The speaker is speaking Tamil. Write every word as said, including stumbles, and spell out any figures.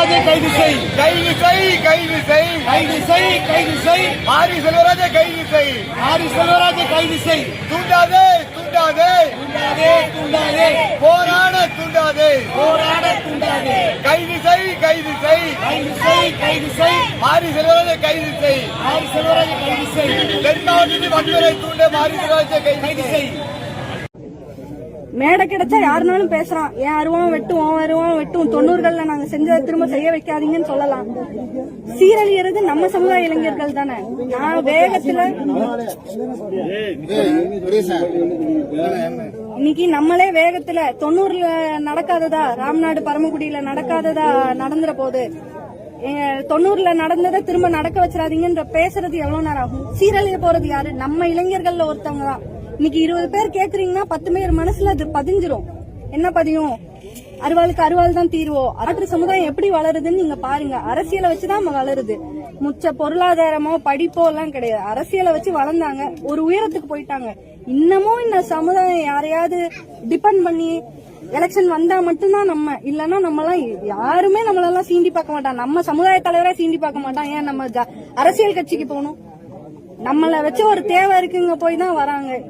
செல்வராஜை கைது செய், கைது செய் கைது செய் கைது செய், கைது செய், மாரி செல்வராஜை கைது செய். ஆரி செல்வராஜை கைது செய். தூண்டாதே தூண்டாதே தூண்டாதே, தூண்டாதே, போராட தூண்டாதே. போராட தூண்டாதே. கைது செய் கைது செய் கைது செய், கைது செய், மாரி செல்வராஜை கைது செய். ஆரி செல்வராஜை கைது செய். தென் மாவட்டத்தில் வன்முறை தூண்ட மாரி செல்வராஜை கைது கைது செய். செய். மேடை கிடைச்சா யாருனாலும் பேசுறான். ஏன் அருவான் வெட்டும், உன் அருவான் வெட்டும், தொண்ணூறுகள்ல நாங்க செஞ்சதை திரும்ப செய்ய வைக்காதீங்கன்னு சொல்லலாம். சீரழியறது நம்ம சமுதாய இளைஞர்கள் தானே. நான் வேகத்துல இன்னைக்கு நம்மளே வேகத்துல தொண்ணூறுல நடக்காததா, ராம்நாடு பரமக்குடியில நடக்காததா நடந்துற போது தொண்ணூறுல நடந்ததை திரும்ப நடக்க வச்சிடாதீங்கன்ற பேசுறது எவ்வளவு நேரம் ஆகும்? சீரழிய போறது யாரு? நம்ம இளைஞர்கள்ல ஒருத்தவங்க தான். இன்னைக்கு இருபது பேர் கேக்குறீங்கன்னா பத்து பேர் மனசுல அது பதிஞ்சிரும். என்ன பதியும்? அருவாளுக்கு அருவாள் தான் தீர்வோம். மாற்று சமுதாயம் எப்படி வளருதுன்னு நீங்க பாருங்க. அரசியலை வச்சுதான் வளருது. முச்ச பொருளாதாரமோ படிப்போ எல்லாம் கிடையாது. அரசியலை வச்சு வளர்ந்தாங்க, ஒரு உயரத்துக்கு போயிட்டாங்க. இன்னமும் இந்த சமுதாயம் யாரையாவது டிபெண்ட் பண்ணி எலெக்ஷன் வந்தா மட்டும்தான் நம்ம, இல்லன்னா நம்ம எல்லாம் யாருமே நம்மளெல்லாம் சீண்டி பார்க்க மாட்டான். நம்ம சமுதாய தலைவரா சீண்டி பார்க்க மாட்டான். ஏன் நம்ம அரசியல் கட்சிக்கு போகணும்? நம்மள வச்சு ஒரு தேவை இருக்குங்க போய் தான் வராங்க.